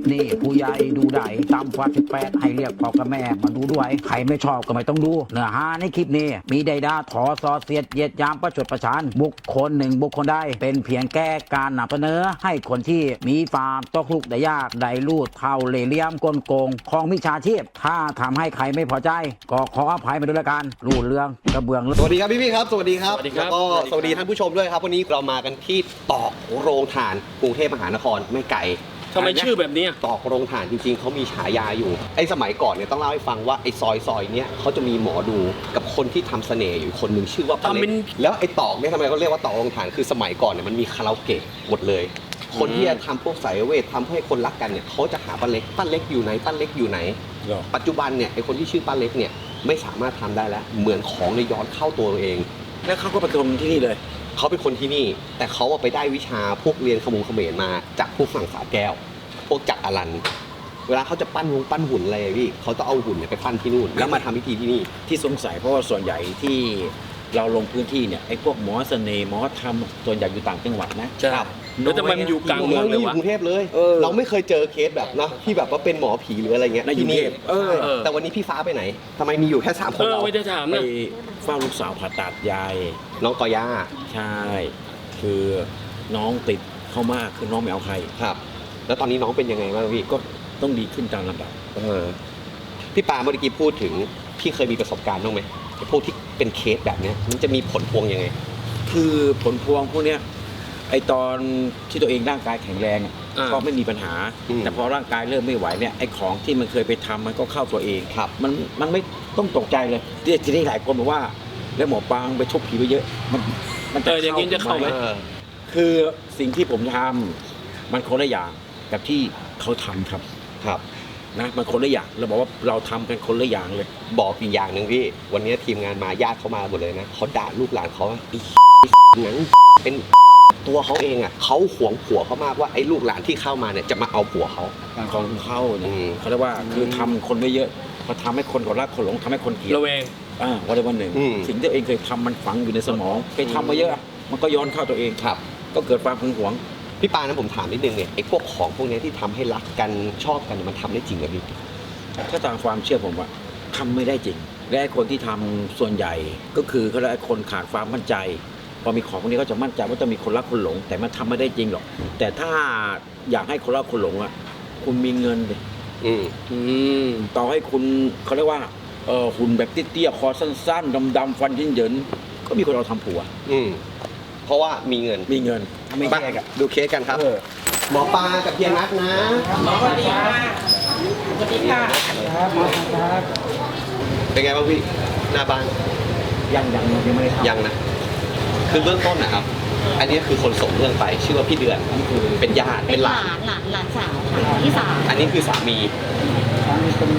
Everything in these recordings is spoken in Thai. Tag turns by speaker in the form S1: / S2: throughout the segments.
S1: นี้ผู้ใหญ่ดูได้ตามฟ้า18ให้เรียกพ่อกับแม่มาดูด้วยใครไม่ชอบก็ไม่ต้องดูเนื้อหาในคลิปนี้มีใดด่าถอซอเสียดเหยียดยามประชดประชันบุคคลหนึ่งบุคคลใดเป็นเพียงแก้การนำเสนอให้คนที่มีความตกลุกได้ยากได้ลูดเท่าเล่ห์เหลี่ยมกลโกงของมิจฉาชีพถ้าทำให้ใครไม่พอใจก็ขออภัยมาด้วยละกันรูดเรื่องกระเบื้อง
S2: สวัสดีครับพี่ครับสวัสดีครับ
S3: สวัสดีครับ
S2: แล้วก็สวัสดีท่านผู้ชมด้วยครับวันนี้เรามากันที่ตอกโรงถ่านกรุงเทพมหานครไม่ไกล
S3: ทำไมชื่อแบบนี้
S2: ตอกโรงถ่านจริงๆเขามีฉายาอยู่ไอ้สมัยก่อนเนี่ยต้องเล่าให้ฟังว่าไอ้ซอยเนี้ยเขาจะมีหมอดูกับคนที่ทำเสน่ห์อยู่คนหนึ่งชื่อว่าป้าเล็กแล้วไอ้ตอกเนี่ยทำไมเขาเรียกว่าตอกโรงถ่านคือสมัยก่อนเนี่ยมันมีคาราโอเกะหมดเลยคนที่จะทำพวกสายเวททำให้คนรักกันเนี่ยเขาจะหาป้าเล็กอยู่ไหนป้าเล็กอยู่ไหนปัจจุบันเนี่ยไอ้คนที่ชื่อป้าเล็กเนี่ยไม่สามารถทำได้แล้วเหมือนของในย้อนเข้าตัวเอง
S1: แล้วเขาก็ประทุมที่นี่เลย
S2: เขาเป็นคนที่นี่แต่เขาไปได้วิชาพวกเรียนขมุงเขมรมาจากพวกฝั่งสาแก้วพวกจักรอลันเวลาเขาจะปั้นหุ่นอะไรพี่เขาต้องเอาหุ่นเนี่ยไปปั้นที่นู่นแล้วมาทำพิธีที่นี่
S1: ที่สงสัยเพราะว่าส่วนใหญ่ที่เราลงพื้นที่เนี่ยไอ้พวกหมอเสน่ห์หมอธรรมส่วนใหญ่อยู่ต่างจังหวัดนะครับ
S3: แล้วทำไมมันอยู่กลางเมืองเลยวะ
S2: กรุงเทพเลยเราไม่เคยเจอเคสแบบนะที่แบบว่าเป็นหมอผีหรืออะไรเงี้ยที่นี่แต่วันนี้พี่ฟ้าไปไหนทำไมมีอยู่แค่3 คนเรา
S3: ไม่ได้ถาม
S1: ไป
S3: นะ
S1: เฝ้าลูกสาวผ่าตัดยาย
S2: น้องกอย่า
S1: ใช่คือน้องติดเข้ามากคือน้องไม่เอาใคร
S2: ครับแล้วตอนนี้น้องเป็นยังไงบ้างพี่
S1: ก็ต้องดีขึ้นตามลำดับ
S2: พี่ปาเมื่อกี้พูดถึงพี่เคยมีประสบการณ์บ้างไหมพวกที่เป็นเคสแบบเนี้ยมันจะมีผลพวงยังไง
S1: คือผลพวงพวกเนี้ยไอตอนที่ตัวเองร่างกายแข็งแรงก็ไม่มีปัญหาแต่พอร่างกายเริ่มไม่ไหวเนี่ยไอของที่มันเคยไปทำมันก็เข้าตัวเองมันไม่ต้องตกใจเลยทีนี้หลายคนบอกว่าแล้วหมอปางไปชกผีไปเยอะมันจะ
S3: อย่างนี้จะเข้าไหม
S1: คือสิ่งที่ผมทำมันคนละอย่างกับที่เขาทำครับนะมันคนละอย่างเราบอกว่าเราทำกันคนละอย่างเลย
S2: บอกอีกอย่างหนึ่งพี่วันนี้ทีมงานมาญาติเขามาหมดเลยนะเขาด่าลูกหลานเขาไอ้หนังเป็นตัวเขาเองอ่ะเขาหวงผัวเขามากว่าไอ้ลูกหลานที่เข้ามาเนี่ยจะมาเอาผัวเขา
S1: ของเขาเนี่ยเขาเรียกว่าคือทำคนไม่เยอะพอทำให้คนเขารักคนหลงทำให้คนเกลียด
S3: ระแวง
S1: วันหนึ่งสิ่งที่ตัวเองเคยทำมันฝังอยู่ในสมองเคยทำมาเยอะมันก็ย้อนเข้าตัวเอง
S2: ครับ
S1: ก็เกิดความหึงหวง
S2: พี่ปานะผมถามนิดนึงเนี่ยไอ้พวกของพวกนี้ที่ทำให้รักกันชอบกันมันทำได้จริงหรือพี่
S1: ถ้าตามความเชื่อผมว่าทำไม่ได้จริงและคนที่ทำส่วนใหญ่ก็คือเขาเรียกคนขาดความมั่นใจพอมีของพวกนี้ก็จะมั่นใจว่าจะมีคนรักคนหลงแต่มันทำไม่ได้จริงหรอกแต่ถ้าอยากให้คนรักคนหลงอ่ะคุณมีเงินเลยต่อให้คุณเขาเรียกว่าหุ่นแบบเตี้ยๆคอสั้นๆดำๆฟันเหยินๆก็มีคนเอาทำผัว
S2: เพราะว่ามีเงิน
S1: ไม่แยก
S2: ดูเคสกันครับหมอปลากับเพียนัทนะ
S4: หมอสวัสดีค่ะสวัสดีค่ะ
S2: ครับหมอครับเป็นไงบ้างพี่หน้าบ้าน
S1: ยังไม่ได้ทำ
S2: ยังนะคือเบื้องต้นนะครับอันนี้คือคนส่งเรื่องไปชื่อว่าพี่เดือนนี่คือเป็นญาติ
S4: เป็นหลานสาวค่ะที่สาม
S2: อันนี้คือสามี
S1: เป็น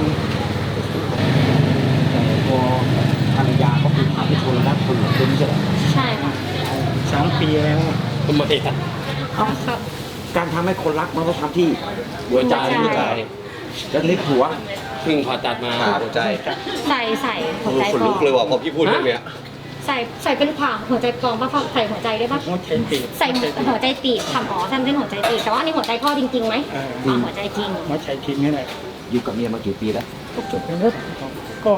S1: พอภรรยาเขาเป็นคนที่คนรักคนหลงเป็นใช่ไหม
S4: ใช่ค่ะ
S1: 3 ปีแล้ว
S2: ทำไมครับ
S1: การทำให้คนรักมันต้องทำที่หัวใจแล้วนี่ผัว
S3: เพิ่งผ่าตัดมา
S2: หัวใจ
S4: ใส่หัวใจ
S2: ขนลุกเลยว่ะพอพี่พูดเรื่องเนี้ย
S4: ใส่เป็นผ่าหัวใจกองป่ะใส่หัวใจได้ป่ะใส่หัวใจตีบทำทำเป็นหัวใจตีบแต่ว่านี่หัวใจพ่อจริงๆไหมหัวใจจริง
S5: หัวใจจริงนี่แหละ
S1: อยู่กับเมียมากี่ปีแล้ว
S5: ก็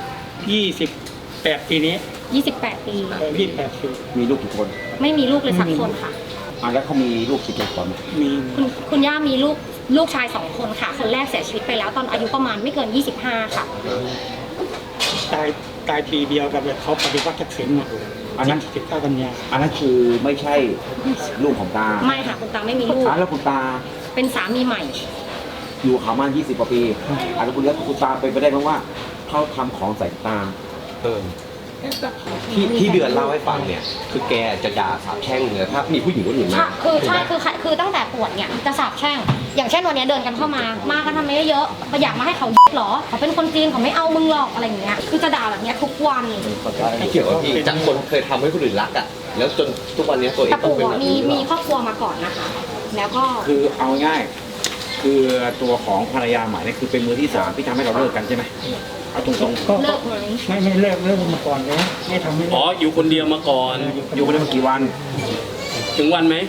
S5: 28 ปีนี้
S4: 28 ปี
S5: 28 ปี
S1: มีลูกกี่คน
S4: ไม่มีลูกเลยสักคนค่ะ
S1: แล้วเขามีลูกกี่คน
S5: มี
S4: คุณย่ามีลูกชาย2 คนค่ะคนแรกเสียชีวิตไปแล้วตอนอายุประมาณไม่เกิน25ค่ะ
S5: ตายปีเดียวกับเขาปฏิวัติทักษิณหมด
S1: อันนั้น
S5: 19 กันยา
S1: อันนั้นคือไม่ใช่ลูกของตา
S4: ไม่ค่ะคุณตาไม่มีลูก
S1: แล้วคุณตา
S4: เป็นสามีใหม่
S1: อยู่เขามา20 กว่าปีแล้วคุณตาไปได้เพราะว่าเขาทำของใส่ตา
S2: ที่เดือนเล่าให้ฟังเนี่ยคือแกจะด่าสาบแช่งเลยถ้ามีผู้หญิงคนอื่นมา
S4: คือตั้งแต่ปวดเนี่ยจะสาบแช่งอย่างเช่นวันนี้เดินกันเข้ามากันทำไมเยอะอยากมาให้เขาหรอเขาเป็นคนจีนเขาไม่เอามึงหรอกอะไรอย่างเงี้ยคือจะด่าแบบนี้ทุกวัน
S2: ไม่เกี่ยวกับพี่จากคนเคยทำให้คนอื่นรักอ่ะแล้วจนทุกวันนี้ตัวเอง
S4: ต้องเป็นแบบนี้มีครอบครัวมาก่อนนะคะแล้วก็
S1: คือเอาง่ายคือตัวของภรรยาใหม่นี่คือเป็นมือที่3ที่ทำให้เราเลิกกันใช่ไหมเอาตรง
S5: ๆก็เลิกไหมไม่เลิกมาก่อนเลยไม่ทำไม่
S3: อยู่คนเดียวมาก่อน
S1: อยู่คนเดียวมากี่วัน
S3: ถึงวันไหม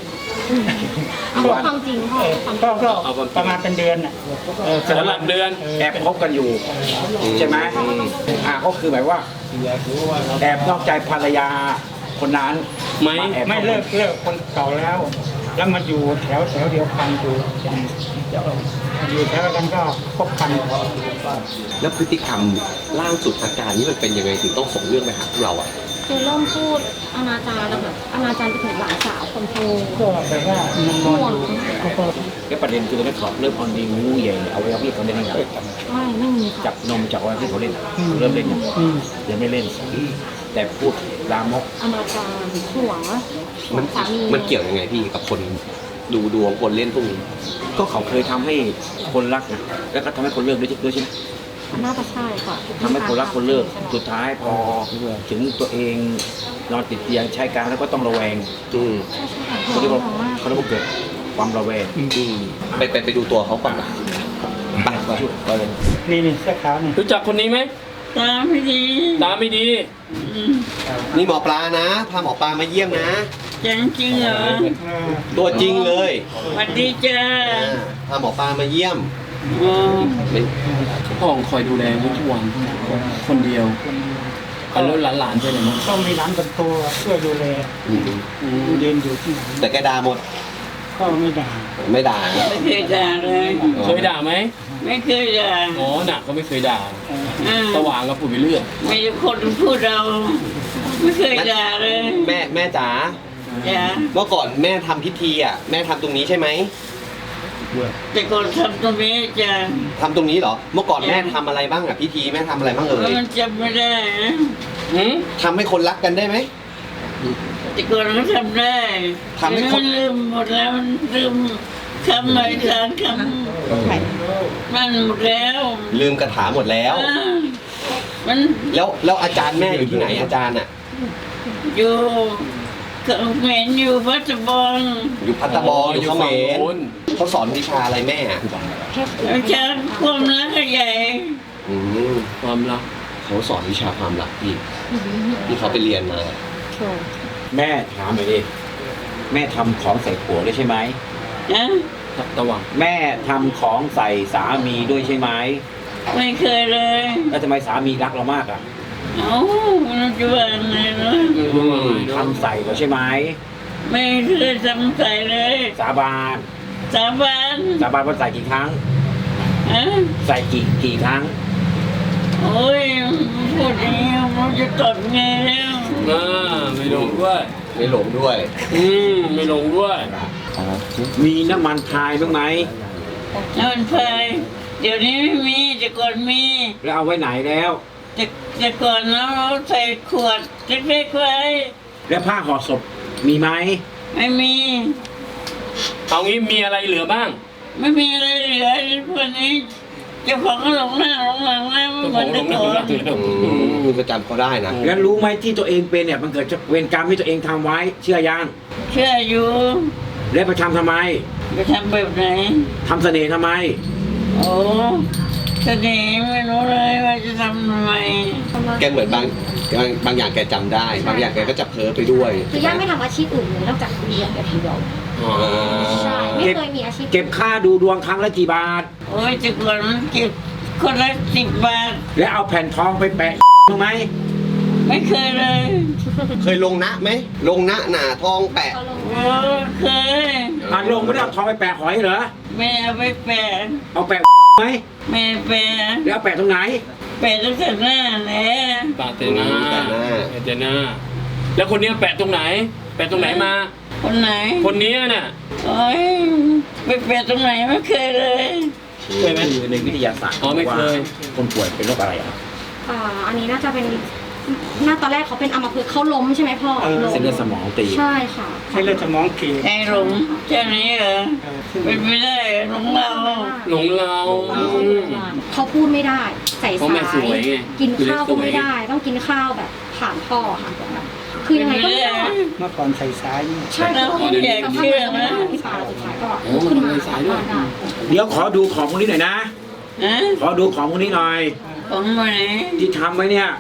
S4: เอาความจริงพ่อความจริง
S5: ก็ประมาณเป็นเดือนน่ะ
S3: สำหรับเดือน
S1: แอบคบกันอยู่ใช่ไหมก็คือหมายว่าแอบนอกใจภรรยาคนนั้น
S3: ไหม
S1: แอบ
S5: ไม่เลิกคนเก่าแล้ว แล้วมาอยู่แถวเดียวกันอยู่แถวกันก็คบกัน
S2: แล้วพฤติกรรมล่าสุดอาการนี้มันเป็นยังไงถึงต้องส่งเรื่องไปหาพวกเราอ่ะ
S4: คือเริ่มพูดอนาจารแล้วแบบอนาจารไปถึงหลานสาวคนโต
S5: ก็แบบว่ามันนอนอยู่เขาก็
S1: แล้วประเด็นคือตอนนี้เขาเริ่มออนดีงูใหญ่เอาไว้เอาพี่เขาเล่นยังไง
S4: ไม่มีค่ะ
S1: จับนมจับอะไรพี่เขาเล่นเริ่มเล่นยังเดี๋ยวไม่เล่น แต่พูดลามก
S4: อนาจารห่วง
S2: มัน
S4: สามี
S2: มันเกี่ยวยังไงพี่กับคนดูดวงคนเล่นพวกนี้
S1: ก็เขาเคยทำให้คนรักนะแล้วก็ทำให้คนเลิกด้วยใช่ไหม
S4: น่าจะใช่ค่ะ
S1: ทำให้คนรักคนเลิกสุดท้ายพอถึงตัวเองนอนติดเตียงใช้การแล้วก็ต้องระแวง
S2: อืม
S4: ใช่ใช่ค่ะ
S1: เขาเรียกว่า
S4: ห่วงมาก
S1: เขาเรียกว่าเกิดความระแวง
S2: ไปดูตัวเขาก่อนนะไป
S1: มาช่วยก็เลย
S5: นี่เสื้อขาวนี่
S3: รู้จักคนนี้ไหม
S6: ตาไม่ดี
S3: ตาไม่ดี
S2: นี่หมอปลานะพาหมอปลามาเยี่ยมนะ
S6: จังจริงเหรอ
S2: ตัวจริงเลย
S6: สวัสดีจ้า
S2: พาหมอปลามาเยี่ยม
S6: อ๋อ
S3: พ่อของคอยดูแลทุกวันคนเดียวเอาแล้วหลานๆไปไหนมั้ง
S5: ก็มีร้านคนโตช่วยดูแลเดินอยู่ที่ไหน
S2: แต่แกด่าหมด
S5: ก็ไม่ด่า
S2: ไม่ด่า
S6: ไม่เคยด่าเลย
S3: เคยด่าไหม
S6: ไม่เคยด่า
S3: อ๋อหนักก็ไม่เคยด่า
S6: อ่า
S3: สว่างก็พูดไปเรื่อย
S6: มีคนพูดเรา ไม่เคยด่าเลย
S2: แม่จ๋า
S6: จ้า
S2: เมื่อก่อนแม่ทำพิธีอ่ะแม่ทำตรงนี้ใช่ไหม
S6: แต่ก่อนทำตรงนี้จ้า
S2: ทำตรงนี้เหรอ เมื่อก่อนแม่ทำอะไรบ้างอ่ะพิธีแม่ทำอะไรบ้างเอ่ย
S6: มันจำไม่ได้นะ
S3: หืม
S2: ทำให้คนรักกันได้ไหม
S6: แต่ก่อนก็ทำได้
S2: ทำให้คน
S6: มันลืมหมดแล้วมันลืมคำใหม่ทางคำมันหมดแล้ว
S2: ลืมคาถาหมดแล้ว
S6: อ่ามัน
S2: แล้วอาจารย์แม่อยู่ที่ไหนอาจารย์อ่ะ
S6: อยู่เขมรอยู่พัทบอง
S2: อยู่พัตตาบอลอยู่เขม
S3: ฝั่ง
S2: ร
S3: โน้น
S2: เขาสอนวิชาอะไรแม่อ่ะ
S6: อาจารย์ความรักใหญ่
S2: อืม
S3: ความรัก
S2: เขาสอนวิชาความรักพี่ที่เขาไปเรียนมา
S1: แม่ถามหน่อยดิแม่ทำของใส่ผัวด้วยใช่ไหม
S6: นะ
S3: ตะวัง
S1: แม่ทำของใส่สามีด้วยใช่ไหม
S6: ไม่เคยเลย
S1: แล้วทำไมสามีรักเรามากอ่ะ
S6: เอ้ามันจะว่าไงเนาะ
S1: ทำใส่เราใช่ไหม
S6: ไม่เคยทำใส่เลย
S1: สาบาน
S6: สาบาน
S1: สาบานว่าใส่กี่ครั้ง
S6: ฮะ
S1: ใส่กี่ครั้ง
S6: โอ้ยพูดอย่างนี้มันจะตอบไงแล้ว
S3: ไม่ลงด้วย
S2: ไม่หลงด้วย
S3: ไม่ลงด้วย
S1: มีน้ำมันพายบ้างไหม
S6: น้ำมันพายเดี๋ยวนี้ไม่มีแต่ก่อนมี
S1: แล้วเอาไว้ไหนแล้ว
S6: แต่ก่อนเราใส่ขวดเล็กๆไว้
S1: แล้วผ้าห่อศพมีไหม
S6: ไม่มี
S3: เอางี้มีอะไรเหลือบ้าง
S6: ไม่มีอะไรเหลือพวกนี้เจ้าของก็หลงหน้าหลงหลังแล้วไม่เหมือนแต่ก่อน
S2: ก็จำเขาได้นะ
S1: แล้วรู้ไหมที่ตัวเองเป็นเนี่ยมันเกิดจากเวรกรรมที่ตัวเองทำไว้ เชื่อยัง
S6: เชื่ออยู่
S1: แล้วไปทำทำไม
S6: ไปทำแบบไหน
S1: ทำเสน่ห์ทำไม
S6: โอ้เสน่ห์ไม่รู้เลยว่าจะทำทำไม
S2: แกเหมือนบางอย่างแกจำได้ บางอย่างแกก็จะเพ้อไปด้วย
S4: คือย่าไม่ทำอาชีพอื่นเลยนอกจากเรียนแบบเดียวใช่ไม่เคยมีอาชีพ
S1: เก็บค่าดูดวงครั้งละกี่บาท
S6: โอ้ยแต่ก่อนมันเก็บคนละ10 บาท
S1: แล้วเอาแผ่นทองไปแปะบ้างไหม
S6: ไม่เคยเลย
S2: เคยลงนะไหมลงนะหนาทองแปะ
S6: โอ้เคย
S1: ลงไม่ได้เอาทองไปแปะหอยเหรอ
S6: แม่เอาไปแปะ
S1: เอาแปะไหม
S6: แม่แปะ
S1: แล้วเอาแปะตรงไหน
S6: แปะตั้งแต่หน้าแหละ
S3: ตาเตนาเตนาแล้วคนเนี้ยแปะตรงไหน แปะตรงไหนมา
S6: คนไหน
S3: คนเนี้ยน่ะ
S6: โอ้ยไปแปะตรงไหนไม่เคยเลย
S3: เคยไหม
S1: คือในวิทยาศาสตร์
S3: อ๋อไม่เคย
S1: ว่าคนป่วยเป็นโรคอะไรอ่ะ
S4: อันนี้น่าจะเป็นตอนแรกเขาเป็นอัมพฤกษ์เขาล้มใช่ไหมพ่อล้ม
S1: เส้นเลือดสมองตีบ
S4: ใช่ค่ะ
S5: ให้เลือดสมองตีบ
S6: ไอ้หลงแค่นี้เหรอเป็นไม่ได้หลงเรา
S3: หลงเรา
S4: เขาพูดไม่ได้ใส่
S3: เพราะแม่
S4: สา
S3: สวย
S4: ย
S3: ไง
S4: กินข้าวก็ไม่ได้ ต้องกินข้าวแบบผ่านพ่อค่ะคือยังไงก็ไม่ได้
S5: เมื่อก่อนใส่สายนี่
S4: ใช่ค่ะ
S6: อยากเชื่อนะ
S4: ที่ปาสุดท้ายก็
S3: โอ้มันทำไมสายด้วย
S4: ได้
S1: เดี๋ยวขอดูของพวกนี้หน่อยนะ
S6: ฮะ
S1: ขอดูของพวกนี้หน่อย
S6: ของมาไหน
S1: ที่ทำไว้เนี่ย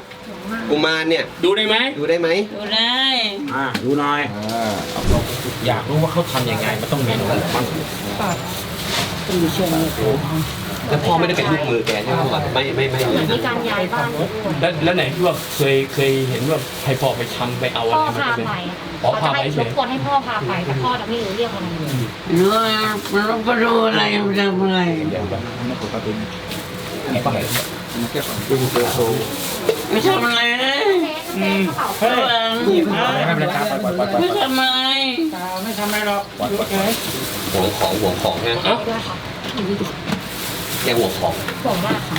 S2: กุมารเนี่ย
S3: ดูได้ไหม
S2: ดูได้ไหม
S6: ดูได้
S1: ดูหน่อยอยากรู้ว่าเขาทำยังไงมันต้องเมนูอะไรบ้าง
S2: แล้วพ่อไม่ได้เป็นลูกมือแกใช่ไหมครับไม่
S4: เหมือนมีการย้ายบ้าน
S3: แล้วไหนที่ว่าเคยเห็นว่าให้พ่อไปทำไปเอาอะ
S4: พ่อ
S3: ไร
S4: พา
S3: มา
S4: ไป
S3: อ๋อ
S4: เขา
S3: พา
S4: จะ
S3: ไป
S4: ให้
S3: เฉ
S4: ร
S3: ย
S4: บกวนให้พ่อพาไปแต่พ่อจะไม่รู้เรื่องอะไรเลย
S6: มันไปดูอะไรมันทำอะไร ไม่ทำอะไรเลย
S5: เฮ้ย
S1: ไม่เป็นไรครับปล่อย
S6: ไม่ทำอะไร
S5: ไม่ทำอะไรหรอกเฉย
S2: ห่วงของนะ
S4: ด้วยค่ะ
S2: แกห่วงของ
S4: ห่วงมากค่ะ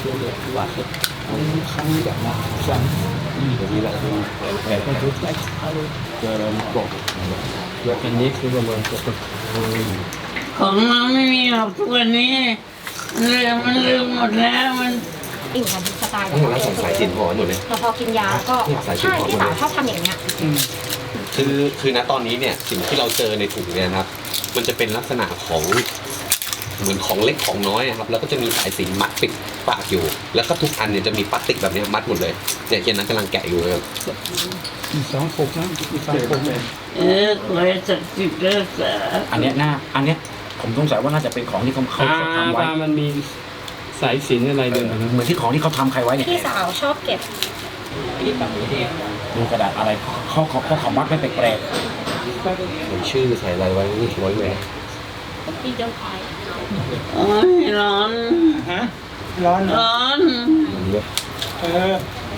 S3: อันนี้คือประมาณ
S6: ของเราไม่มีหรอกทุกวันนี้มันลืมหมดแล้วมัน
S4: อยู่กับสไตล์
S2: ทั้งหมดแล้วสงสัยสินหอหมดเลย
S4: แต่พอกินยาก็ใช่พี่สาวชอบทำอย่างเงี้ย
S2: คือณตอนนี้เนี่ยสิ่งที่เราเจอในถุงเนี่ยนะครับมันจะเป็นลักษณะของเหมือนของเล็กของน้อยอะครับแล้วก็จะมีสายสิญจนมัดปิดปากอยู่ แล้วก็ทุกอันเนี่ยจะมีพลาสติกแบบนี้มัดหมดเลยเนี่ยเคนนั้นกำลังแกะอยู่เลยครับ
S5: อีก2 ปกนะอีก2 ปก
S6: ขอให้ศักดิ์สิทธิ์รักษา
S1: อันเนี้ยผมสงสัยว่าน่าจะเป็นของที่เขาทำไว้
S3: มันมีสายสิญจนอะไรเดิน
S1: เหมือนที่ของที่เขาทำใครไว้เนี่ย
S4: พี่สาวชอบเก็บ
S1: ดูกระดาษอะไรเขามัดไม่แปลก
S2: ใส่ชื่อใส่อะไรไว้นี่ไว้ไว้
S4: พี่เจ้าชาย
S6: โอ้ยร้อน
S5: ฮะร้อนเหรอ
S6: ร้อน
S5: เออ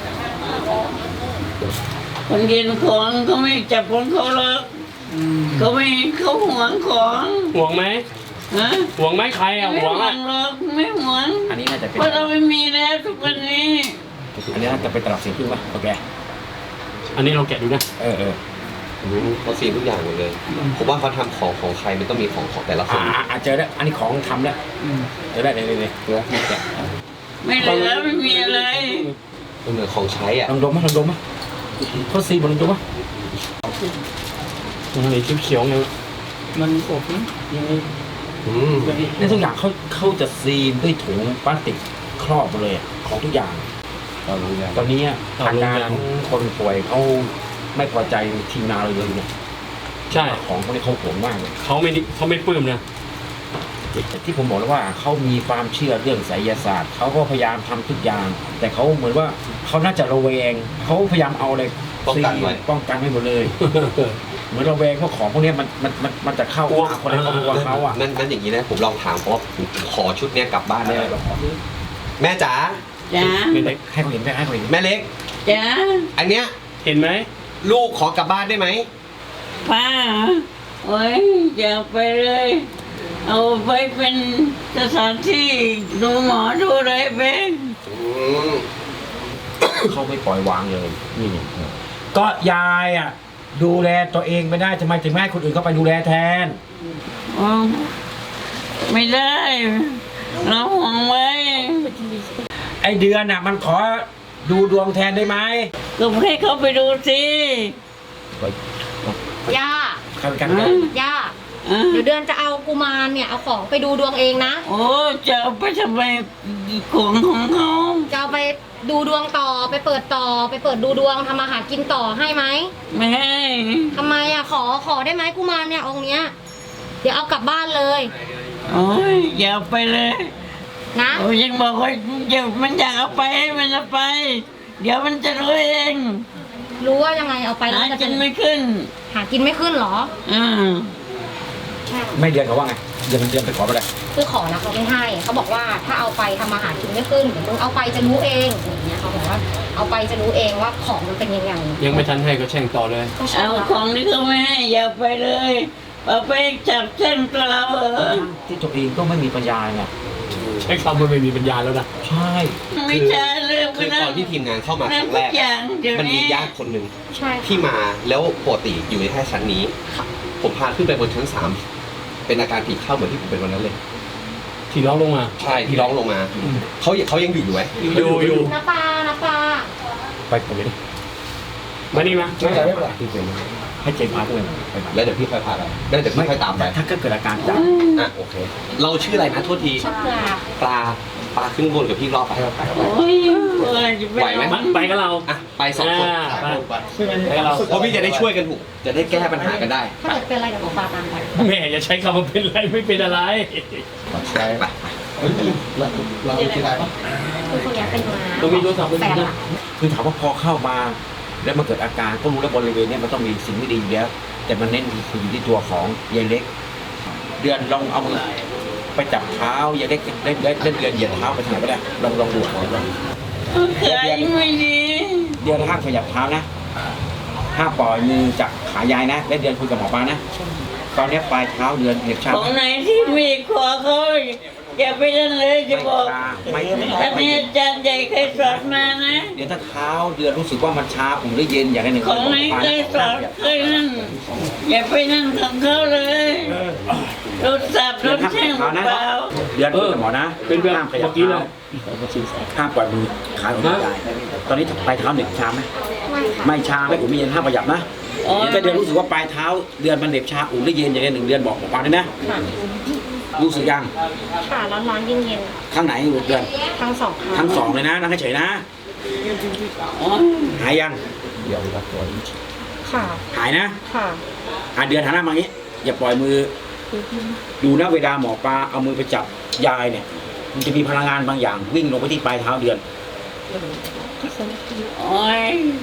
S6: คนกินของเขาไม่จับของเขาหรอกเขาไม่เขาหวงของ
S3: ห่วงไหม
S6: ฮะ
S3: ห่วงไหมใครอะ
S6: ไม่
S3: ห่วง
S6: หว
S3: อะ
S6: งหรอกไม่หวง
S1: ๆอันนี้น่าจะเป็น
S6: เพราะเราไม่มีแล้วทุกวันนี้
S1: อันนี้น่าจะเป็นตลับสีพึ่งป่ะโอเค
S3: อันนี้เราแกะดูนะ
S2: เขาซีนทุกอย่างหมดเลยผมว่าเขาทำของใครมันต้องมีของแต่ละคน
S1: เจอแล้วอันนี้ของทำแล้วเจอได้เลย
S6: ไม่เหลือไม่มีอะไร
S2: มันเหมือนของใช้อ่ะ
S1: ลองดมมั้ยเขาซีบนลองดมมั้ย
S3: อันนี้เขียวๆไง
S5: มันอบนะยังไง
S1: ในทุกอย่างเขาจะซีนด้วยถุงพลาสติกครอบหมดเลยของทุกอย่างตอนนี้ทางการคนป่วยเขาไม่พอใจทีมงานเราเลยเนี่ย
S3: ใช่
S1: ของพวกนี้เขาโหดมากเลย
S3: เขาไม่ปลื้มนะ
S1: ที่ผมบอกแล้วว่าเขามีความเชื่อเรื่องไสยศาสตร์เขาก็พยายามทำทุกอย่าง แต่เขาเหมือนว่าเขาน่าจะระแวงเขาพยายามเอาอะไรป้องกันไว้หมดเลย เหมือนระแวงว่าของพวกนี้มันจะเข้าหาคนในครอบครัวเขาอ่ะ
S2: นั่นอย่างนี้นะผมลองถามเพราะว่าผมขอชุดเนี้ยกลับบ้านได้ไหมแม่จ๋า
S6: จ้า
S3: ไม่ได้
S1: ให้เขาเห็นให้เขาเห็น
S2: แม่เล็ก
S6: จ้า
S2: อันเนี้ย
S3: เห็นไหม
S2: ลูกขอกลับบ้านได้ไหม
S6: ป้าโอ้ยอย่าไปเลย เอาไปเป็นสถานที่ดูหมอดูอะไรไป
S1: เขาไม่ปล่อยวางเลยนี่ก็ยายอ่ะดูแลตัวเองไม่ได้ทำไมถึงไม่ให้คนอื่นเขาไปดูแลแทน
S6: อ๋อไม่ได้เราห่วงไว้
S1: ไอเดือนอ่ะมันขอดูดวงแทนได้ไหม
S6: ก็ให้เขาไปดูสิ
S4: ย่า
S1: เข้ากัน
S4: ย่า
S6: อ่ะ
S4: เดี๋ยวเดือนจะเอากุมารเนี่ยเอาของไปดูดวงเองนะ
S6: โอ้จะเอาไปทำไมของของเขา
S4: จะเอาไปดูดวงต่อไปเปิดต่อไปเปิดดูดวงทำอาหารกินต่อให้ไหม
S6: ไม่ให้
S4: ทำไมอ่ะขอได้ไหมกุมารเนี่ยองค์เนี้ยเดี๋ยวเอากลับบ้านเลย
S6: โอ้ยอย่าไปเลย
S4: นะ
S6: โอ้ยยังบอกว่าอย่ามันอยากเอาไปให้มันเอาไป เดี๋ยวมันจะรู้เอง
S4: รู้ว่ายังไงเอาไปแล้ว
S6: หา
S4: จะ
S6: กิ
S4: เป็น น
S6: ไม่ขึ้น
S4: หากินไม่ขึ้นเหรอ
S6: อ่า
S1: ไม่เดือนเขาว่าไงเดือนไปขอไปเลย
S4: คือขอนะเขาไม่ให้เขาบอกว่าถ้าเอาไปทำอาหารกินไม่ขึ้นเดี๋ยวมึงเอาไปจะรู้เองอย่างเงี้ยเขาบอกว่าเอาไปจะรู้เองว่าของมันเป็นยังไง
S3: ยังไม่ทันให้ก็แช่งต่อเลย
S4: ก็ใช่
S6: เอา
S4: แล้ว
S6: ของที่เขาไม่ให้อย่าไปเลยเอาไปจับเส้นตัวเรา
S1: ที่ตัวเองก็ไม่มีปัญญาไง
S3: ใช้คำว่าไม่มีปัญญาแล้วนะ
S1: ใช่
S6: ไม่ใช่เรื่อง
S2: คือตอนที่ทีมงานเข้ามาครั้งแรก
S6: ทุอย่างเดี๋ยว
S2: มันมี
S6: นี้
S2: ญาติคนหนึ่ง
S4: ใช่
S2: ที่มาแล้วปกติอยู่ในแค่ชั้นนี้ ผมพาขึ้นไปบนชั้น 3 เป็นอาการผีเข้าเหมือนที่ผมเป็นวันนั้นเลย
S3: ที่ร้องลงมา
S2: ใช่ที่ร้องลงมาเขายังอยู่ไหม
S3: อยู่
S4: น้าปลาน้าปลา
S1: ไปผมเลยดิ
S3: มานี่มา
S2: ไม่เป็นไร
S1: ให้เจมส์พาด้วยไป
S2: แล้วเดี๋ยวพี่ค่อยพาไปแล้วเดี๋ยวพี่ค่อยตามไป
S1: ถ้าเกิดอาการจับ
S2: อ่ะโอเค เราชื่ออะไรนะโทษที
S4: ชอบปลา
S2: ปลาปาขึ้นบนกับพี่รอบไป
S6: โอ้ยจะ
S2: ไหวไหม
S3: ไปกับเรา
S2: อ่ะไป2 คน
S3: ไปกับเรา
S2: เพราะพี่จะได้ช่วยกันถูกจะได้แก้ปัญหากันได้
S4: ถ้าเกิดเป็นอะไรเดี๋ยวหมอปลาตามไป
S3: แม่อย่าใช้คำว่าเป็นไรไม่เป็นอะไร
S4: คือคนเนี้ยเป็นมา
S3: ต้องมีโทรศัพท์
S4: แฟนอะ
S1: คือถามว่าพอเข้ามาแล้วมันเกิดอาการก็รู้แล้วบริเวณเนี้ยมันต้องมีสิ่งไม่ดีอยู่แล้วแต่มันเน้นคืออยู่ที่ตัวของยายเล็ก เดือนลองเอามือไปจับเท้ายายเล็กเล่นเดือนเหยียดเท้าไปทางไหนก็ได้ลองดูก่อนลอง
S6: เคยไม่ดี
S1: เดือนห้ามขยับเท้านะห้ามปล่อยมือจากขายายนะและเดือนคุยกับหมอปลานะตอนนี้ปลายเท้าเดือนเหน็บชา
S6: ของไหนที่มีขอเขาอย่าไปนั่นเลยจะบอก
S1: ไม่
S6: อันนี้อาจารย์ใหญ่เคยสอนมานะ
S1: เดี๋ยวถ้าเท้าเดือนรู้สึกว่ามันชาผมหรือเย็นอย่างใดหนึ่ง
S6: ของไหนเคยสอนเคยนั่นอย่าไปนั่นของเขาเลยรถสับร
S1: เดือน
S6: ถ
S1: ห้ามข
S6: แช่
S1: ยั
S6: ง
S1: บเท้านะ
S6: เปล่า
S1: เดือนคุยกับหมอนะ
S3: เป็นแบบ
S1: ห้ามขยับ
S3: เมื่อกี้เล
S1: เท้าย ห้ามปล่อยมือขาของยายตอนนี้ปลายเท้าเหน็บชาไหม
S4: ไม่ค่ะ
S1: ไม่ชาไม่อุ่นไม่เย็นห้ามขยับนะถ้าเดือนรู้สึกว่าปลายเท้าเดือนมันเหน็บชาอุ่นหรือเย็นอย่างใดหนึ่งเดือนบอกหมอปลาด้วยนะ
S4: ค่ะ
S1: รู้สึกยัง
S4: ค่ะร้อนๆเย็น
S1: ข้างไหนเดือน
S4: ๆทั้งสองข้าง
S1: ทั้งสองเลยนะนั่งเฉยๆนะ
S6: อ๋อ
S1: หายยัง
S4: ค่ะ
S1: หายนะ
S4: ค่ะ
S1: เดือนหันหน้ามาอย่างนี้ อย่าปล่อยมือ ดูนะเวลาหมอปลาเอามือไปจับยายเนี่ย มันจะมีพลังงานบางอย่างวิ่งลงไปที่ปลายเท้าเดือน
S6: โอ้ย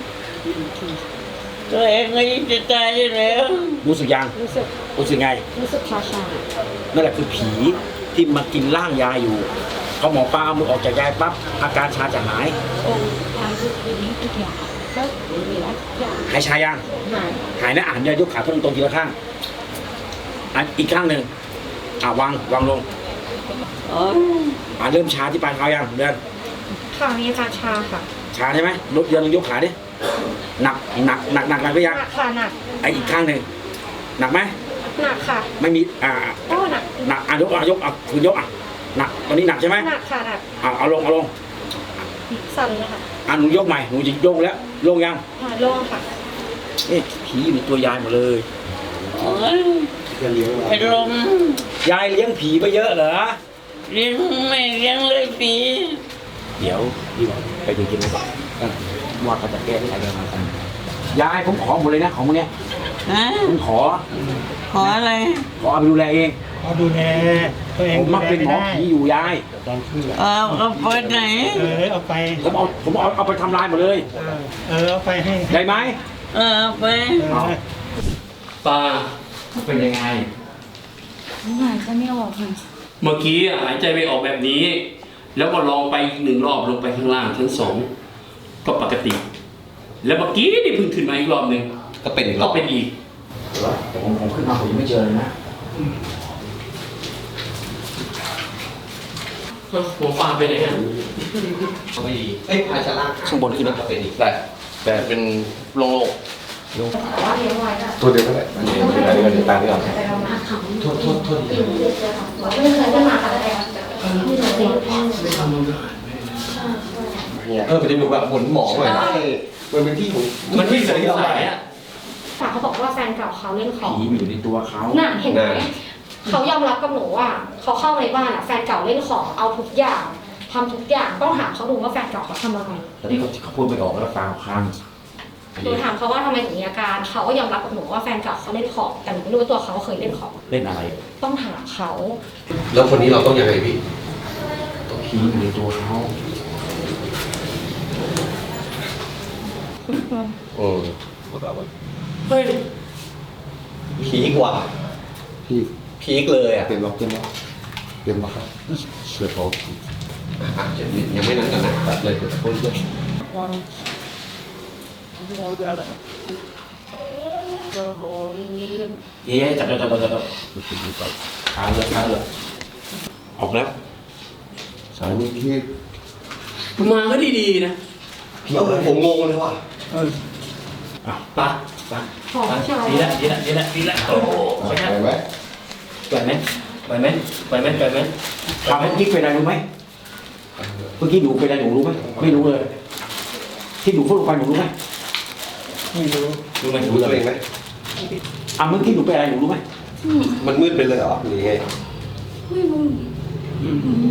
S6: ตัวเองก็ยิ่งจะตายอยู่แล้ว
S1: รู้สึกยัง
S4: รู้สึก
S1: รู้สึกไง
S4: รู้สึกชา
S1: นั่นแหละคือผีที่มากินร่างยายอยู่พอหมอปลาเอามือออกจากยายปั๊บอาการชาจะหาย
S4: ความรู้สึกนี้ทุกอย่างก็มีแล้วทุกอย่าง
S1: หายชายัง
S4: หาย
S1: หายนะอ่านยายกขาตรงๆทีละข้างอีกข้างหนึ่งวางลง
S6: โอ้ย
S1: เริ่มชาที่ปลายเท้ายังเดือน
S4: ค่ะมีอาการชาค่ะ
S1: ชาใช่ไหมลดเดือนลองยกขาดิหนักก็ยัง
S4: หนักค่ะหนัก
S1: อีกข้างหนึ่งหนักไหม
S4: หนักค่ะ
S1: ไม่มี
S4: โอ้หนัก
S1: หนักยกคือยกหนักตอนนี้หนักใช่ไหม
S4: หนักค่ะหนัก
S1: เอาลง
S4: สั่นเลยค่ะ
S1: หนูยกใหม่หนูจะยกแล้วลงยัง
S4: โล่งค่ะ
S1: นี่ผีอยู่ในตัวยายหมดเลย
S6: โอ้ยเป็นลม
S1: ยายเลี้ยงผีไปเยอะเหรอ
S6: เลี้ยงไม่เลี้ยงเลยปี
S1: เดี๋ยวพี่บอกไปดูกินก่อนว่าเขาจะแก้ที่ไหนกันมากันยายผมขอหมดเลยนะของพวกเนี้ย
S6: ฮะ
S1: ผมขอ
S6: ขออะไร
S1: เอาไปดูแลเอง
S5: เขาดูแลตัวเอง
S1: ผม
S5: ดู
S1: มา
S5: แล
S1: เป็นหมอ
S5: ไม่ได้
S1: ผีอยู่ยาย
S6: เอาไปไหน
S5: เอาไป
S1: ผมเอาไปทำลายหมดเลย
S5: เอาไปให้
S1: ได้ไหม
S6: เอาไป
S3: ตา
S1: เป็นยังไง
S4: หายใจไม่ออกค่ะ
S3: เมื่อกี้หายใจไม่ออกแบบนี้ แล้วก็ลองไปอีก1 รอบลงไปข้างล่างชั้น2ก็ปกติ แล้วเมื่อกี้นี่เพิ่งขึ้นมาอีกรอบหนึ่ง
S2: ก็เป็นอีกร
S3: ก็
S2: อบ
S3: เป็นอีก
S1: แต่ผมขึ้นมาผมยังไม่เจอเลยนะ
S3: หัวฟ้าไปไหนฮะ
S2: ก็ไม่ดีพาชาล่าง
S1: ข้างบนขึ้นแล้ว
S2: ก็เป็นอีก
S7: แต่เป็นโล่ง
S4: ว่าเลี้ยงไว้อะ
S7: ๆตัวเดียวก็ได้อันนี้ก็เดี๋ยวตามที่เรา
S4: แต่เรามาเขา
S2: โทษ
S4: ไม่เคยได้มาอะไรเลยไม่รู้สิ
S2: มันจะดูแบบหมุนหมองหน่อยนะมันเป็นที่ของ
S3: มันไม่สงสัยอ่ะ
S4: แต่เขาบอกว่าแฟนเก่าเขาเล่นของ
S1: ผีมันอยู่ในตัวเขา
S4: น่ะเห็นไหมเขายอมรับกับหนูว่าเขาเข้ามาในบ้านอะแฟนเก่าเล่นของเอาทุกอย่างทำทุกอย่างต้องถามเขาดูว่าแฟนเก่าเขาทำอะไร
S1: แต่ที่เขาพูดไม่ออกแล้วฟังข้าง
S4: หนูถามเขาว่าทำไมถึงมีอาการเขาก็ยอมรับกับหนูว่าแฟนเก่าเขาเล่นของแต่หนูไม่รู้ว่าตัวเขาเคยเล่นของ
S1: เล่นอะไร
S4: ต้องถามเขา
S2: แล้วคนนี้เราต้องยังไงพี่
S1: ตัวผีอยู่ในตัวเขา
S3: เฮ้ย
S2: พีกว่า
S7: พี่
S2: พีกเลยอ่ะ
S7: เตรียมล็อกเตรียมล็อกเตรียมล็อกครับเสือทอง
S2: ยังไม่นั้นกันนะ
S7: ตัดเลยเดี๋ยวพ่นด้วย
S1: เย้จับขาเลยออกแล้ว
S7: สายนี้พี่
S3: มาก็ดีๆนะ
S2: ผมงงเลยว่ะ
S3: ปะ
S4: ขอใช่ไหม
S3: ดีละโอ้โหขออนุญาต
S7: ไปไหม
S3: ปล่อยไหม
S1: ถามเมื่อกี้เป็นอะไรรู้ไหมเมื่อกี้หนูเป็นอะไรหนูรู้ไหมไม่รู้เลย ที่หนูพูดไปหนูรู้ไหม
S5: ไม่รู้
S3: รู้ไหม
S2: รู้ตัวเองไหม
S1: เมื่อกี้หนูเป็นอะไรหนูรู้ไหม
S2: มันมืดไปเลยเหรอหรือไง
S4: ไม่รู้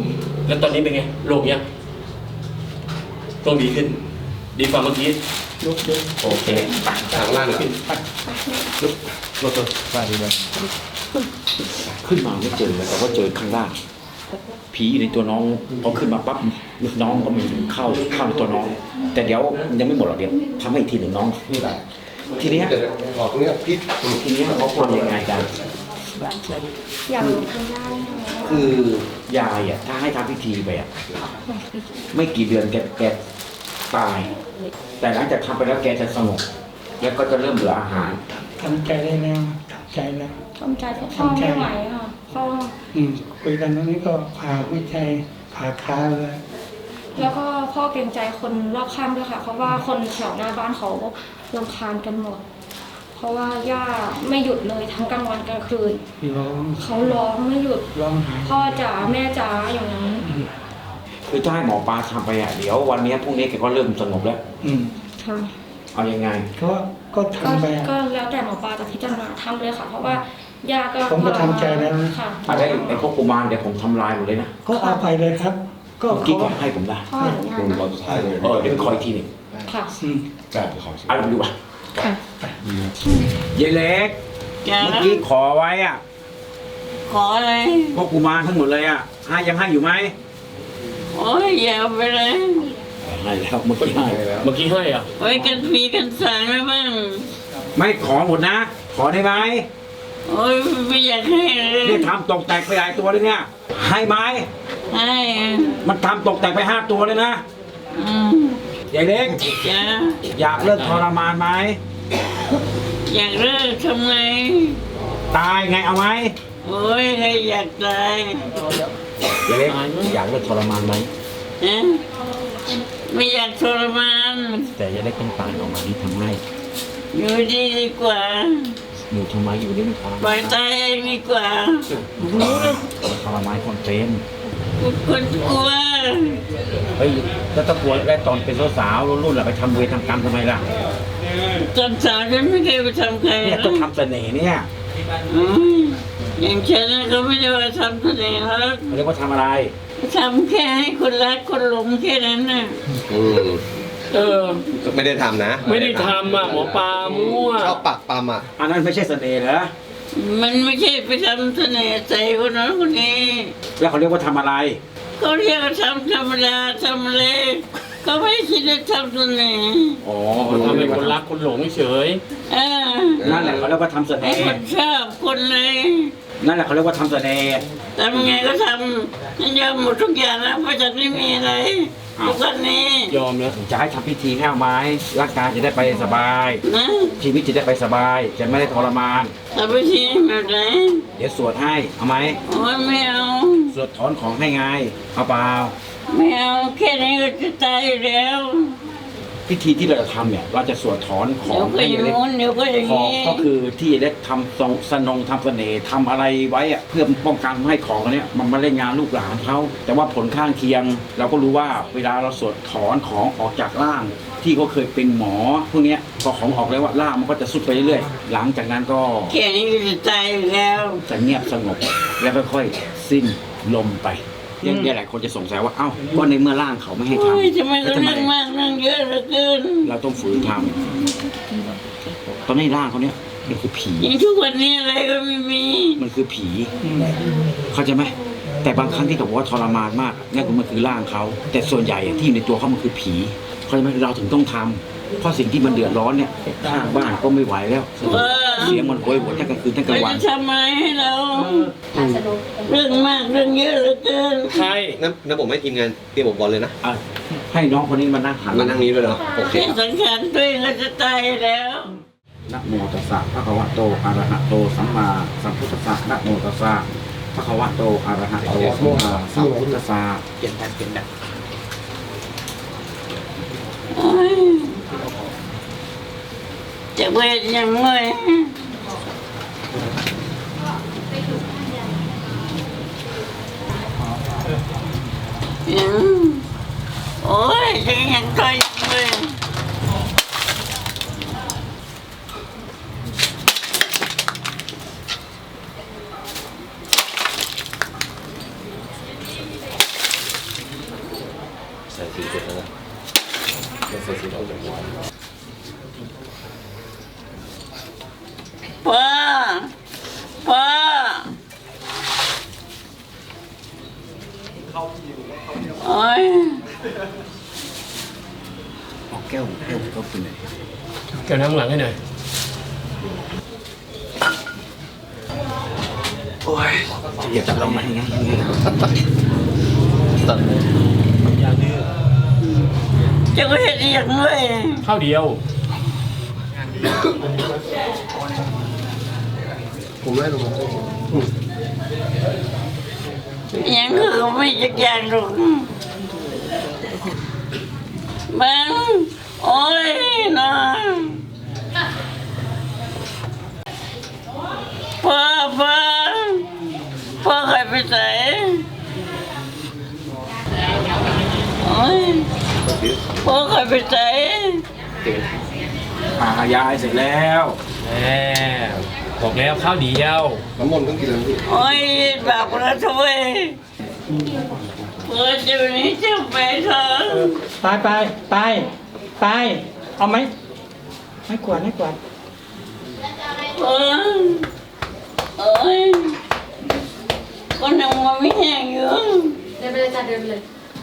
S3: แล้วตอนนี้เป็นไงโรคเนี้ยต้องดีขึ้น ดีกว่าเมื่อกี้
S5: ลุก
S3: โอเค
S2: ทางล่างหน่อย
S3: รถตัว
S1: ไปดีเลยขึ้นมาไม่เจอเลยแต่ว่าเจอข้างล่างผีอยู่ในตัวน้องพอขึ้นมาปั๊บน้องก็มีเข้าในตัวน้อง แต่เดี๋ยวยังไม่หมดหรอกเดี๋ยวทำให้อีกทีหนึ่งน้องนี่แหละทีเนี้ย
S7: ออกเนี่ยพี่
S1: ทีเนี้ยเขาทำยังไงกัน
S4: อย่างคุณย่า
S1: คือยายอ่ะถ้าให้ทำพิธีไปอ่ะไม่กี่เดือนแกตาย แต่หลังจากทำไปแล้วแกจะสงบแล้วก็จะเริ่มเหลืออาหาร
S5: ทำใจได้แล้วทำใจแล้ว
S4: ทำใจพ่อไม่ไหวค่ะพ่อ
S5: คุยกันตรงนี้ก็ผ่าวิจัยผ่าคาเลย
S4: แล้วก็พ่อเกรงใจคนรอบข้างด้วยค่ะ เพราะว่าคนแถวหน้าบ้านเขารำคาญกันหมด เพราะว่าย่าไม่หยุดเลยทั้งกลางวันกลางคืน
S5: ร้อง
S4: เขาร้องไม่หยุด
S5: ร้องหา
S4: พ่อจ๋าแม่จ๋าอย่างนั้น
S1: คือถ้าให้หมอปลาทำไปอ่ะเดี๋ยววันนี้พรุ่งนี้แกก็เริ่มสงบแล้ว
S4: ค่ะ
S1: เอายังไง
S5: ก็
S4: ก็
S5: ทำไป
S4: ก็แล้วแต่หมอปลาจะพิจารณาทำเลยค่ะ เพราะว่าย่าก็
S5: ผมก็ทำใจแล้วนะ
S4: ค่ะ
S1: อะไรไอ้พวกกุมารเดี๋ยวผมทำลายหมดเลยนะ
S5: ก็เอาไปเลยครับ ก็
S1: เมื่อกี้
S5: เขา
S1: แกให้ผมได้
S4: พ่ออนุญาตนะ
S7: ตอนสุดท้ายเลย
S1: เดี๋ยวขออีกทีหนึ่ง
S4: ค่ะ
S7: กล้าไปขอ
S1: เอาไปดูป่ะ
S4: ค่ะ
S1: ยายเล็ก
S6: จ้า
S1: เมื่อกี้ขอไว้อ่ะ
S6: ขออะไร
S1: พวกกุมารทั้งหมดเลยอ่ะยังให้อยู่ไหม
S6: โอ้ยอย่าเอาไปเลย
S1: ให้แล้วเมื่อกี้ให้แล้ว
S3: เมื่อกี้ให้อ่ะ
S6: ไว้กันมีกันสางแล้วบ้าง
S1: ไม่ขอหมดนะ ขอได้ไหม
S6: โอ้ยไม่อยากให้เลย
S1: นี่ทำตกแตกไปหลายตัวเลยเนี่ย ให้ไหม
S6: ให้
S1: มันทำตกแตกไป5 ตัวเลยนะ
S6: อืม
S1: ยายเล็ก
S6: จ้า
S1: อยากเลิกทรมานไหม
S6: อยากเลิกทำไง
S1: ตายไงเอาไหม
S6: โอ้ยใครอยากตาย
S1: ยายเล็กอยากเลิกทรมานไหม
S6: ฮะไม่อยากทรมาน
S1: แต่ยายเล็กต้องตายออกมานี่ทำไง
S6: อยู่ดีดีกว่า
S1: อยู่ทำไมอยู่นี่มันทร
S6: ปล่
S1: มา
S6: อย
S1: น
S6: ตายเองดีกว่า
S1: ทรมานคนเป็น
S6: คนกลัว
S1: เฮ้ยแล้วตะกลัวได้ตอนเป็นสาวๆรุ่นๆล่ะไปทำเวรทำกรรมทำไมล่ะ
S6: ตอนสาวฉันไม่เคยไปทำใคร
S1: เนี่ย
S6: นะ
S1: ต้องทำเสน่ห์เนี่ย
S6: อืมอย่างฉันน่ะเขาไม่ได้ว่าทำเสน่ห์หรอก
S1: เขาเรียกว่าทำอะไร
S6: ทำแค่ให้คนรักคนหลงแค่นั้นน่ะ
S3: เออ
S2: ไม่ได้ทำนะ
S3: ไม่ได้ทำอ่ะหมอปลามั่ว
S2: ชอบปักปั๊มอ่ะ
S1: อันนั้นไม่ใช่เสน่ห์เหรอ
S6: มันไม่ใช่ไปทำเสน่ห์ใส่คนนั้นคนนี้
S1: แล้วเขาเรียกว่าทำอะไร
S6: เขาเรียกว่าทำธรรมดาทำอะไรเขาไม่คิดจะทำเสน่ห์
S1: อ๋อ
S3: ทำให้คนรักคนหลงเฉย
S6: เออ
S1: นั่นแหละเขาเรียกว่าทำเส
S6: ให้
S1: น่
S6: ค
S1: ห์
S6: นชอบคนเลย
S1: นั่นแหละเขาเรียกว่าทำเสน่ห์
S6: ทำไงก็ทำฉันยอมหมดทุกอย่างแล้วเพราะฉันไม่มีอะไรทุกวันนี้
S3: ๆยอมแล้ว
S1: จะให้ทำพิธีให้เอาไหมร่างกายจะได้ไปสบาย
S6: นะ
S1: ชีวิตจะได้ไปสบาย จะไม่ได้ทรมาน
S6: ทำไปทีแบบไหน
S1: เดี๋ยวสวดให้ เอาไหม
S6: โอ้ยไม่เอา
S1: สวดถอนของให้ไง เอาเปล่า
S6: ไม่เอาแค่นี้ก็จะตายอยู่แล้ว
S1: พิธีที่เราจะทำเนี่ย เราจะสวดถอนขอ
S6: เดี๋ยว
S1: ง
S6: ก็
S1: ให้
S6: อย่าง
S1: เล็ก
S6: งู้นเดี๋ยวก็อย่าง
S1: ของ
S6: นี้
S1: ก็คือที่เล็กทำทรงสนงทำเสน่ห์ทำอะไรไว้อะเพื่อป้องกันไม่ให้ของอันเนี้ยมันมาเล่นงานลูกหลานเขาแต่ว่าผลข้างเคียง เราก็รู้ว่าเวลาเราสวดถอนของออกจากร่าง ที่เขาเคยเป็นหมอพวกเนี้ยพอของออกแล้วว่าร่างมันก็จะสุดไปเรื่อยๆหลังจากนั้นก็
S6: แค่นี้ก็จะตายอยู่แล้ว
S1: จะเงียบสงบแล้วค่อยๆสิ้นลมไปเนี่ยหลายคนจะสงสัยว่าเอ้าก็ในเมื่อร่างเขาไม่ให้ทำ
S6: โอ้ยทำไม
S1: แล้ว
S6: ก็เรื่องมากเรื่องเยอะเหลือเกิน
S1: เราต้องฝืนทำตอนนี้ร่างเขาเนี่ยมันคือผี
S6: อย่างทุกวันนี้อะไรก็ไม่มี
S1: มันคือผี เข้าใจไหมแต่บางครั้งที่เขาบอกว่าทรมานมากนั่นก็มันคือร่างเขาแต่ส่วนใหญ่อะที่อยู่ในตัวเขามันคือผีเข้าใจไหมเราถึงต้องทำเพราะสิ่งที่มันเดือดร้อนเนี่ยข้างบ้านก็ไม่ไหวแล้วเสียงมันโหยหวนทั้งกลางคืนทั้งกลาง
S6: เรา
S1: วัน
S6: จะทำอะไรให้เรา เรื่องมากเรื่องเยอะเหลือเกิน
S3: ใช่
S2: งั้นผมให้ทีมงานเตรียมอุปกรณ์เลยนะ
S1: อ่ะให้น้องคนนี้มานั่งหัน
S2: มานั่งนี้ด้วยเหรอโอเค
S6: แค่สังขารตัวเองก็จะตายแล้ว
S1: นะโมตัสสะภะคะวะโตอะระหะโตสัมมาสัมพุทธัสสะนะโมตัสสะภะคะวะโตอะระหะโตสัมมาสัมพุทธัสสะเปลี่ยนแบบ
S6: โอ้ยจะเวทยังไงโอ้ยยังต่อยเลยป้าป้าโอ้ย
S1: แก้วก็เป็นไง
S3: แกนั่งหลังให้หน่อย
S1: โอ้ยจะจับเราไหมไง
S6: จะก็เห็นอย่างด้วย
S3: ข้าวเดียว
S7: ผมได้ลงมา
S6: ยังคือไม่จักอย่างหรอกบังโอ้ยนะพ่อใครไปไหนโอ้ยพ่อใครไปไหน
S1: ยายเสร็จแล้ว
S3: แหมบอกแล้วข้าวเดียว
S7: น้ำมนต์ต้องกินแล้วพี่
S6: โอ้ยแบบระทวยเพื่อจะนี้จะไปเถอะ
S5: ไปเอาไหมไม่กวาด
S6: เออโอ้ยก็ยังมาไม่แห้งอยู่
S4: เดินไปเลยจ้ะเดินไปเลย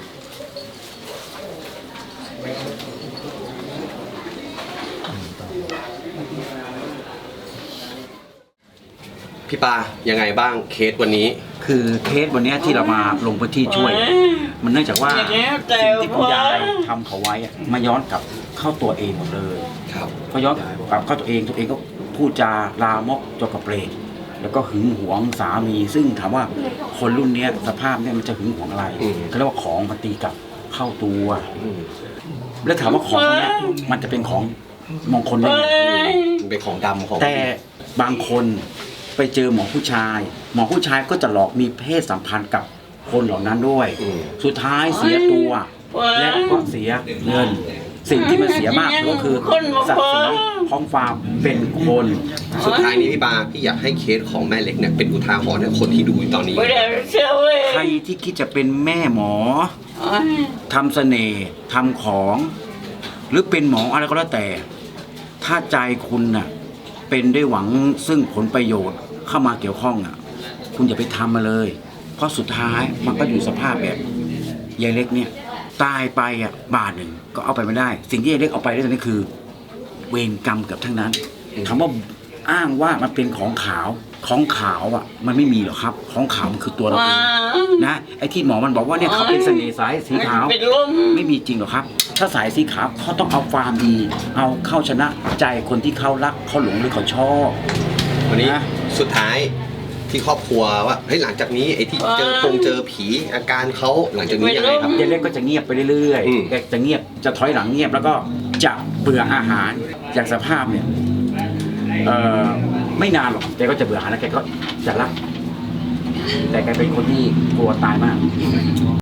S2: พี่ปายังไงบ้างเคสวันนี้
S1: คือเคสวันเนี้ยที่เรามาลงพื้นที่ช่วย มันเนื่องจากว่า
S6: อย่างนี้แต่
S1: สิ่งที่คุณยายทำเขาไว้อะมาย้อนกลับเข้าตัวเองหมดเลย
S2: ครับ
S1: ก็ย้อนกลับเข้าตัวเองก็พูดจาลามกจกกระเปรตแล้วก็หึงหวงสามี ซึ่งถามว่าคนรุ่นเนี้ยสภาพเนี้ยมันจะหึงหวงอะไรเขาเรียกว่าของมันตีกลับเข้าตัว แล้วถามว่าของพวกเนี้ยมันจะเป็นของมงคลได้
S6: เอ้
S1: ไง
S6: ย
S2: มันเป็นของดำของ
S1: แต่บางคนไปเจอหมอผู้ชาย หมอผู้ชายก็จะหลอกมีเพศสัมพันธ์กับคนเหล่านั้นด้วย สุดท้ายเสียตัว และก็เสียเงิน สิ่งที่มันเสียมากก็คือศักดิ์ศรีของความเป็นคน
S2: สุดท้ายนี้พี่ปาพี่อยากให้เคสของแม่เล็กเนี่ยเป็นอุทาหรณ์ให้คนที่ดูอยู่ตอนนี้
S6: ไม่ได้เชื่อเว้ย
S1: ใครที่คิดจะเป็นแม่หมอ
S6: โอ้ย
S1: ทำเสน่ห์ทำของ หรือเป็นหมออะไรก็แล้วแต่ ถ้าใจคุณน่ะเป็นด้วยหวังซึ่งผลประโยชน์เข้ามาเกี่ยวข้องอ่ะ คุณอย่าไปทำมาเลย เพราะสุดท้ายมันก็อยู่สภาพแบบยายเล็กเนี่ยตายไปอ่ะบาทหนึ่งก็เอาไปไม่ได้ สิ่งที่ยายเล็กเอาไปได้ตอนนี้คือ เวรกรรมเกือบทั้งนั้นคำว่าอ้างว่ามันเป็นของขาวอ่ะ มันไม่มีหรอกครับ ของขาวมันคือตัวเรา
S6: ว้า
S1: เองนะไอ้ที่หมอมันบอกว่าเนี่ยเขาเป็นเสน่ห์สายสีขาว
S6: เป็นลม
S1: ไม่มีจริงหรอกครับ ถ้าสายสีขาวเขาต้องเอาความดี เอาเข้าชนะใจคนที่เขารักเขาหลงหรือเขาชอบ
S2: วันนี้
S1: นะ
S2: สุดท้ายที่ครอบครัวว่าเฮ้ยหลังจากนี้ไอ้ที่เจอผีอาการเขาหลังจากนี้ยังไงครับ
S1: ยายเล็กก็จะเงียบไปเรื่อย
S2: อืม
S1: ๆแกจะเงียบจะถอยหลังเงียบแล้วก็จะเบื่ออาหารอย่างสภาพเนี่ยไม่นานหรอกแกก็จะเบื่ออาหารแล้วแกก็จะรัก แต่แกเป็นคนที่กลัวตายมาก